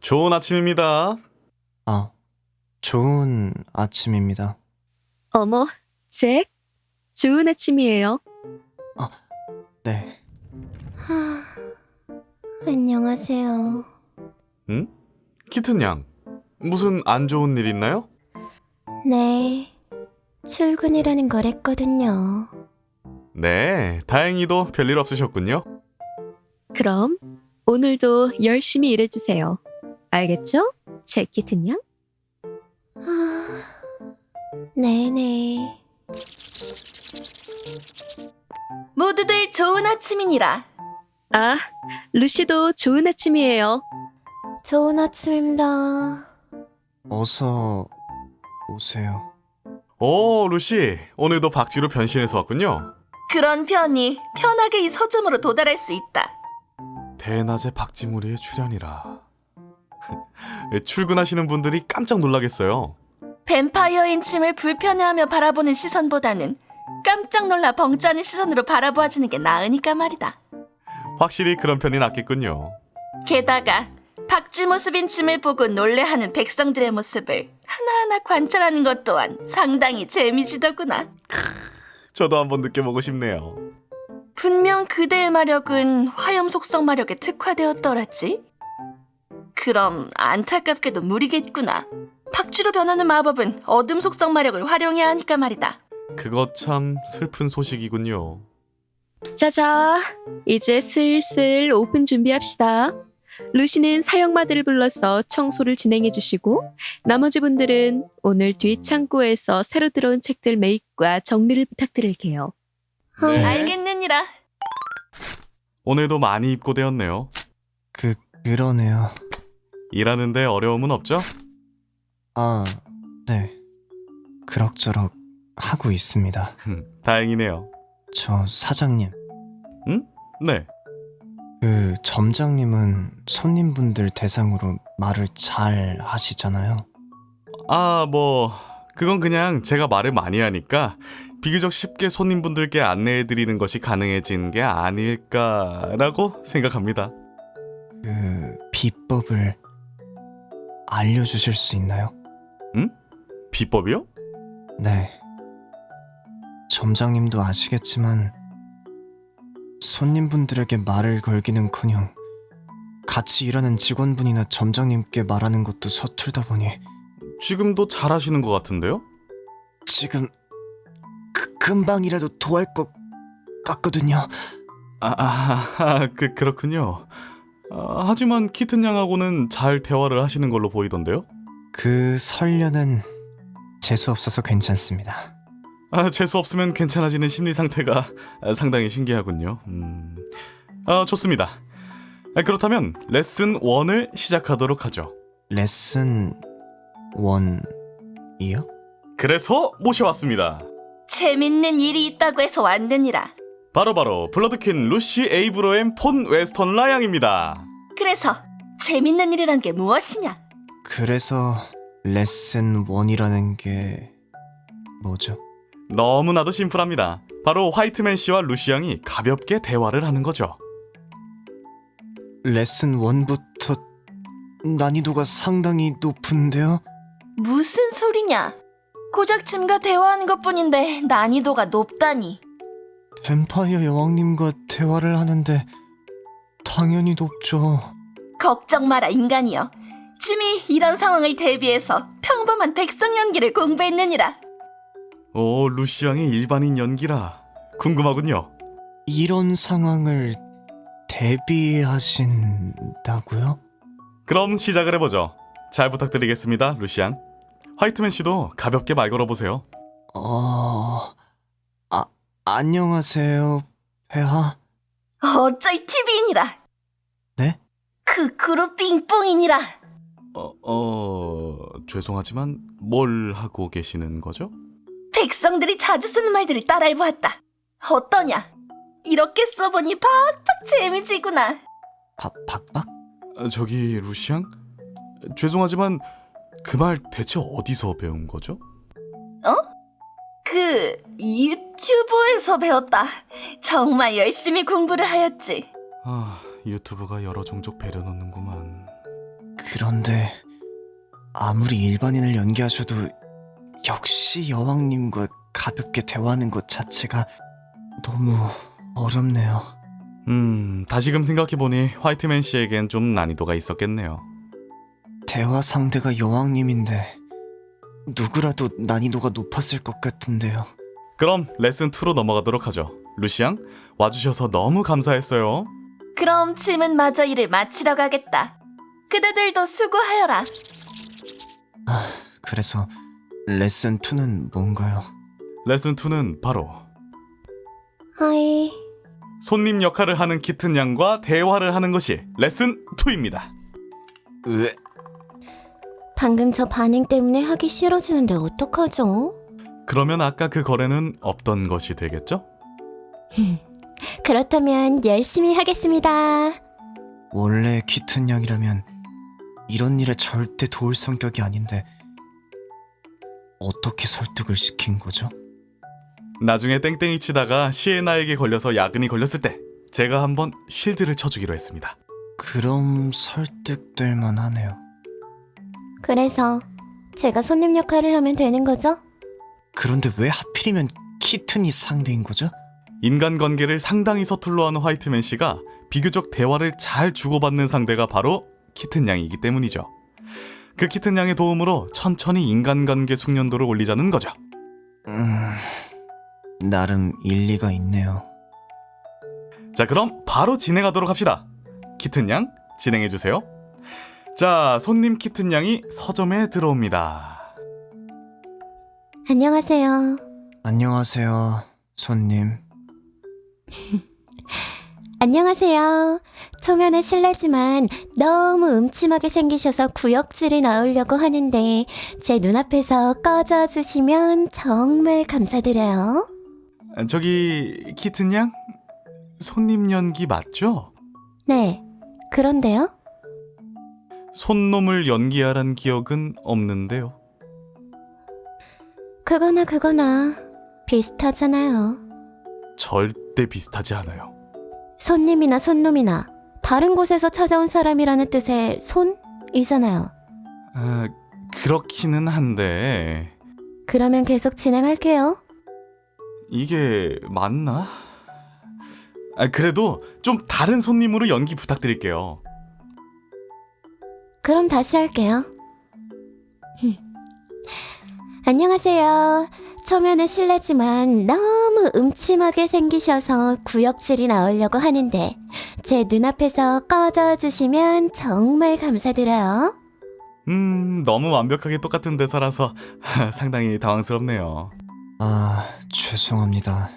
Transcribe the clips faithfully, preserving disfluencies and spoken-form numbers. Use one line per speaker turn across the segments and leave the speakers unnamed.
좋은 아침입니다.
아, 좋은 아침입니다.
어머, 잭. 좋은 아침이에요.
네,
하... 안녕하세요.
응? 키튼 양, 무슨 안 좋은 일 있나요?
네, 출근이라는 거랬거든요.
네, 다행히도 별일 없으셨군요.
그럼 오늘도 열심히 일해주세요. 알겠죠? 잭 키튼 양?
하... 네네.
모두들 좋은 아침이니라.
아, 루시도 좋은 아침이에요.
좋은 아침입니다.
어서 오세요.
오, 루시, 오늘도 박쥐로 변신해서 왔군요.
그런 편이 편하게 이 서점으로 도달할 수 있다.
대낮에 박쥐무리의 출연이라. 출근하시는 분들이 깜짝 놀라겠어요.
뱀파이어인 침을 불편해하며 바라보는 시선보다는 깜짝 놀라 벙짜는 시선으로 바라보아주는 게 나으니까 말이다.
확실히 그런 편이 낫겠군요.
게다가 박쥐 모습인 침을 보고 놀래하는 백성들의 모습을 하나하나 관찰하는 것 또한 상당히 재미지더구나.
저도 한번 느껴보고 싶네요.
분명 그대의 마력은 화염 속성 마력에 특화되었더라지? 그럼 안타깝게도 무리겠구나. 박쥐로 변하는 마법은 어둠 속성 마력을 활용해야 하니까 말이다.
그거 참 슬픈 소식이군요.
자자, 이제 슬슬 오픈 준비합시다. 루시는 사형마들을 불러서 청소를 진행해 주시고 나머지 분들은 오늘 뒤 창고에서 새로 들어온 책들 매입과 정리를 부탁드릴게요.
네.
알겠느니라.
오늘도 많이 입고되었네요.
그, 그러네요.
일하는데 어려움은 없죠?
아, 네. 그럭저럭 하고 있습니다.
다행이네요.
저 사장님,
응? 네.
그 점장님은 손님분들 대상으로 말을 잘 하시잖아요.
아, 뭐 그건 그냥 제가 말을 많이 하니까 비교적 쉽게 손님분들께 안내해드리는 것이 가능해진 게 아닐까라고 생각합니다.
그 비법을 알려주실 수 있나요?
응? 비법이요?
네. 점장님도 아시겠지만 손님분들에게 말을 걸기는커녕 같이 일하는 직원분이나 점장님께 말하는 것도 서툴다 보니
지금도 잘하시는 것 같은데요?
지금 그, 금방이라도 도할 것 같거든요.
아, 아, 아 그, 그렇군요. 아, 하지만 키튼 양하고는 잘 대화를 하시는 걸로 보이던데요?
그 설련은 재수 없어서 괜찮습니다.
아, 재수 없으면 괜찮아지는 심리 상태가 상당히 신기하군요. 음. 아, 좋습니다. 아, 그렇다면 레슨 일을 시작하도록 하죠.
레슨 원이요?
그래서 모셔왔습니다.
재밌는 일이 있다고 해서 왔느니라.
바로바로 블러드퀸 루시 에이브로엠 폰 웨스턴 라양입니다.
그래서 재밌는 일이란 게 무엇이냐?
그래서 레슨 원이라는 게 뭐죠?
너무나도 심플합니다. 바로 화이트맨 씨와 루시 양이 가볍게 대화를 하는 거죠.
레슨 원부터 난이도가 상당히 높은데요?
무슨 소리냐? 고작 짐과 대화하는 것뿐인데 난이도가 높다니.
뱀파이어 여왕님과 대화를 하는데 당연히 높죠.
걱정 마라 인간이여. 짐이 이런 상황을 대비해서 평범한 백성 연기를 공부했느니라.
오, 루시 양의 일반인 연기라 궁금하군요.
이런 상황을 대비하신다고요?
그럼 시작을 해보죠. 잘 부탁드리겠습니다, 루시 양. 화이트맨 씨도 가볍게 말 걸어보세요.
어... 아, 안녕하세요, 폐하.
어쩔 티비이니라.
네?
그 그룹 빙뽕이니라.
어, 어... 죄송하지만 뭘 하고 계시는 거죠?
백성들이 자주 쓰는 말들을 따라해보았다. 어떠냐? 이렇게 써보니 팍팍 재미지구나.
박, 박박?
아, 저기 루시 양? 죄송하지만 그 말 대체 어디서 배운 거죠?
그 유튜브에서 배웠다. 정말 열심히 공부를 하였지.
아, 유튜브가 여러 종족 배려놓는구만.
그런데 아무리 일반인을 연기하셔도 역시 여왕님과 가볍게 대화하는 것 자체가 너무 어렵네요.
음, 다시금 생각해보니 화이트맨 씨에겐 좀 난이도가 있었겠네요.
대화 상대가 여왕님인데 누구라도 난이도가 높았을 것 같은데요.
그럼 레슨 이로 넘어가도록 하죠. 루시앙, 와주셔서 너무 감사했어요.
그럼 짐은 마저 일을 마치러 가겠다. 그대들도 수고하여라.
아, 그래서 레슨 이는 뭔가요?
레슨 이는 바로
하이.
손님 역할을 하는 키튼 양과 대화를 하는 것이 레슨 이입니다.
왜?
방금 저 반응 때문에 하기 싫어지는데 어떡하죠?
그러면 아까 그 거래는 없던 것이 되겠죠?
그렇다면 열심히 하겠습니다.
원래 키튼 양이라면 이런 일에 절대 도울 성격이 아닌데 어떻게 설득을 시킨 거죠?
나중에 땡땡이 치다가 시에나에게 걸려서 야근이 걸렸을 때 제가 한번 쉴드를 쳐주기로 했습니다.
그럼 설득될 만하네요.
그래서 제가 손님 역할을 하면 되는 거죠?
그런데 왜 하필이면 키튼이 상대인 거죠?
인간관계를 상당히 서툴러 하는 화이트맨 씨가 비교적 대화를 잘 주고받는 상대가 바로 키튼 양이기 때문이죠. 그 키튼 양의 도움으로 천천히 인간관계 숙련도를 올리자는 거죠.
음... 나름 일리가 있네요.
자, 그럼 바로 진행하도록 합시다. 키튼 양, 진행해주세요. 자, 손님 키튼 양이 서점에 들어옵니다.
안녕하세요.
안녕하세요, 손님.
안녕하세요. 초면에 실례지만 너무 음침하게 생기셔서 구역질이 나오려고 하는데 제 눈앞에서 꺼져주시면 정말 감사드려요.
저기 키튼 양, 손님 연기 맞죠?
네, 그런데요?
손놈을 연기하란 기억은 없는데요.
그거나 그거나 비슷하잖아요.
절대 비슷하지 않아요.
손님이나 손놈이나 다른 곳에서 찾아온 사람이라는 뜻의 손이잖아요.
아, 그렇기는 한데
그러면 계속 진행할게요.
이게 맞나? 아, 그래도 좀 다른 손님으로 연기 부탁드릴게요.
그럼 다시 할게요. 안녕하세요. 초면에 실례지만 너무 음침하게 생기셔서 구역질이 나오려고 하는데 제 눈앞에서 꺼져주시면 정말 감사드려요.
음, 너무 완벽하게 똑같은 대사라서 상당히 당황스럽네요.
아, 죄송합니다.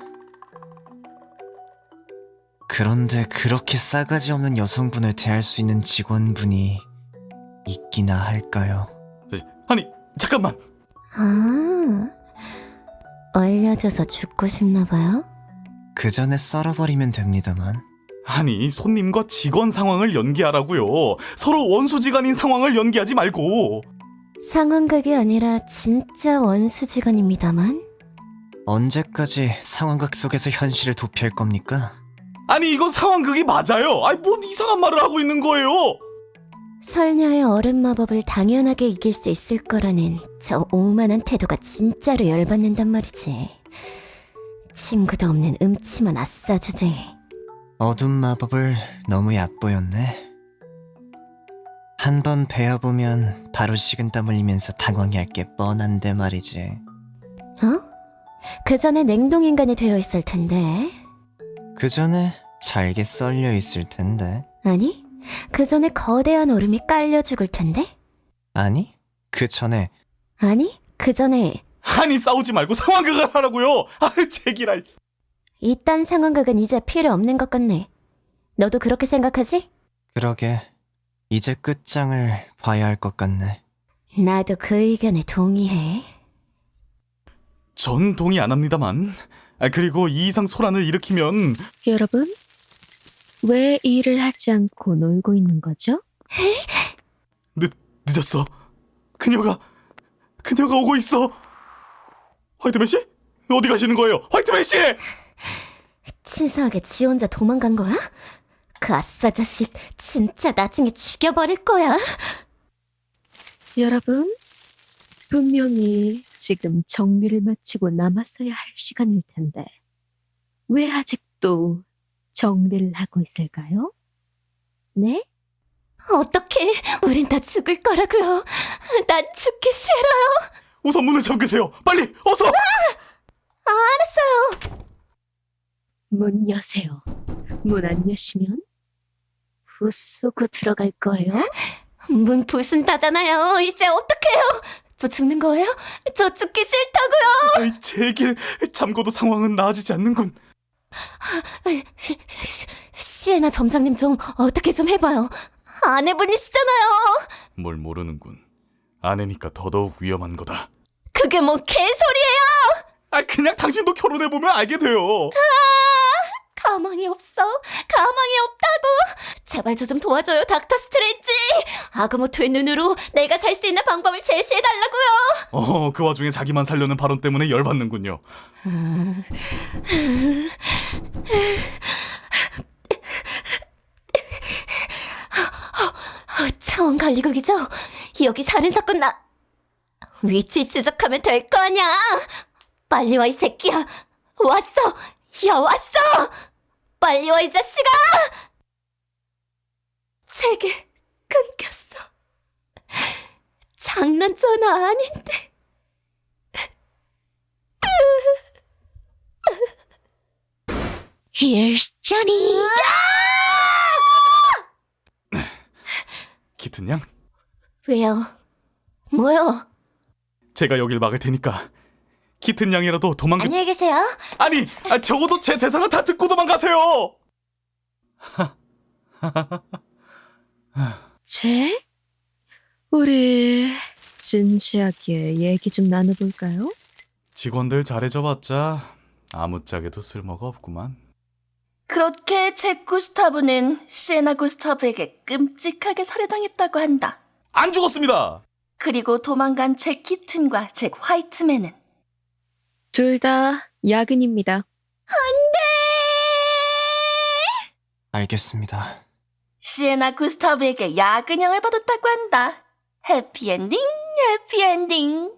그런데 그렇게 싸가지 없는 여성분을 대할 수 있는 직원분이 있기나 할까요?
아니, 잠깐만.
아, 얼려져서 죽고 싶나 봐요?
그 전에 썰어버리면 됩니다만.
아니, 손님과 직원 상황을 연기하라고요. 서로 원수지간인 상황을 연기하지 말고.
상황극이 아니라 진짜 원수지간입니다만.
언제까지 상황극 속에서 현실을 도피할 겁니까?
아니, 이거 상황극이 맞아요. 아니, 뭔 이상한 말을 하고 있는 거예요.
설녀의 얼음 마법을 당연하게 이길 수 있을 거라는 저 오만한 태도가 진짜로 열받는단 말이지. 친구도 없는 음침한 아싸 주제.
어둠 마법을 너무 얕보였네. 한 번 배워보면 바로 식은땀 흘리면서 당황해할 게 뻔한데 말이지.
어? 그 전에 냉동인간이 되어 있을 텐데.
그 전에 잘게 썰려 있을 텐데.
아니, 그 전에 거대한 얼음이 깔려 죽을 텐데.
아니, 그 전에
아니, 그 전에
아니, 싸우지 말고 상황극을 하라고요. 아, 제기랄.
이딴 상황극은 이제 필요 없는 것 같네. 너도 그렇게 생각하지?
그러게 이제 끝장을 봐야 할 것 같네.
나도 그 의견에 동의해.
전 동의 안 합니다만. 아, 그리고 이 이상 소란을 일으키면
여러분, 왜 일을 하지 않고 놀고 있는 거죠?
늦, 늦었어. 그녀가 그녀가 오고 있어. 화이트맨 씨? 어디 가시는 거예요? 화이트맨 씨!
치사하게 지 혼자 도망간 거야? 그 아싸 자식 진짜 나중에 죽여버릴 거야.
여러분, 분명히 지금 정리를 마치고 남았어야 할 시간일 텐데 왜 아직도 정리를 하고 있을까요? 네?
어떡해. 우린 다 죽을 거라고요. 나 죽기 싫어요.
우선 문을 잠그세요. 빨리 어서.
알았어요.
문 여세요. 문 안 여시면 부수고 들어갈 거예요.
문 부순다잖아요. 이제 어떡해요. 저 죽는 거예요? 저 죽기 싫다고요.
제길 잠궈도 상황은 나아지지 않는군.
시, 시, 시에나 점장님 좀 어떻게 좀 해봐요. 아내분이시잖아요.
뭘 모르는군. 아내니까 더더욱 위험한 거다.
그게 뭐 개소리예요.
아 그냥 당신도 결혼해보면 알게 돼요.
가망이 없어. 가망이 없다고. 제발 저 좀 도와줘요, 닥터 스트레이지. 아그모토의 눈으로 내가 살 수 있는 방법을 제시해달라고요.
어, 그 와중에 자기만 살려는 발언 때문에 열받는군요.
차원 관리국이죠? 여기 살인사건 나... 위치 추적하면 될 거 아냐? 빨리 와, 이 새끼야. 왔어. 야, 왔어. 빨리 와, 이 자식아. 제게 끊겼어. 장난 전화 아닌데.
Here's Johnny.
키튼 양,
왜요? 뭐요?
제가 여길 막을 테니까 키튼 양이라도 도망가.
안녕히 계세요.
아니, 아, 적어도 제 대사는 다 듣고 도망가세요.
제? 우리 진지하게 얘기 좀 나눠볼까요?
직원들 잘해줘봤자 아무짝에도 쓸모가 없구만.
그렇게 잭 구스타브는 시에나 구스타브에게 끔찍하게 살해당했다고 한다.
안 죽었습니다.
그리고 도망간 잭 키튼과 잭 화이트맨은
둘 다 야근입니다.
알겠습니다.
시에나 구스타브에게 야근형을 받았다고 한다. 해피엔딩, 해피엔딩.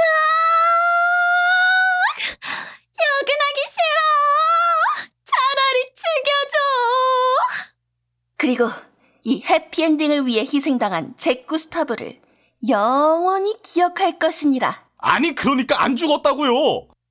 야근하기 싫어. 차라리 죽여줘.
그리고 이 해피엔딩을 위해 희생당한 잭 구스타브를 영원히 기억할 것이니라.
아니, 그러니까 안 죽었다고요.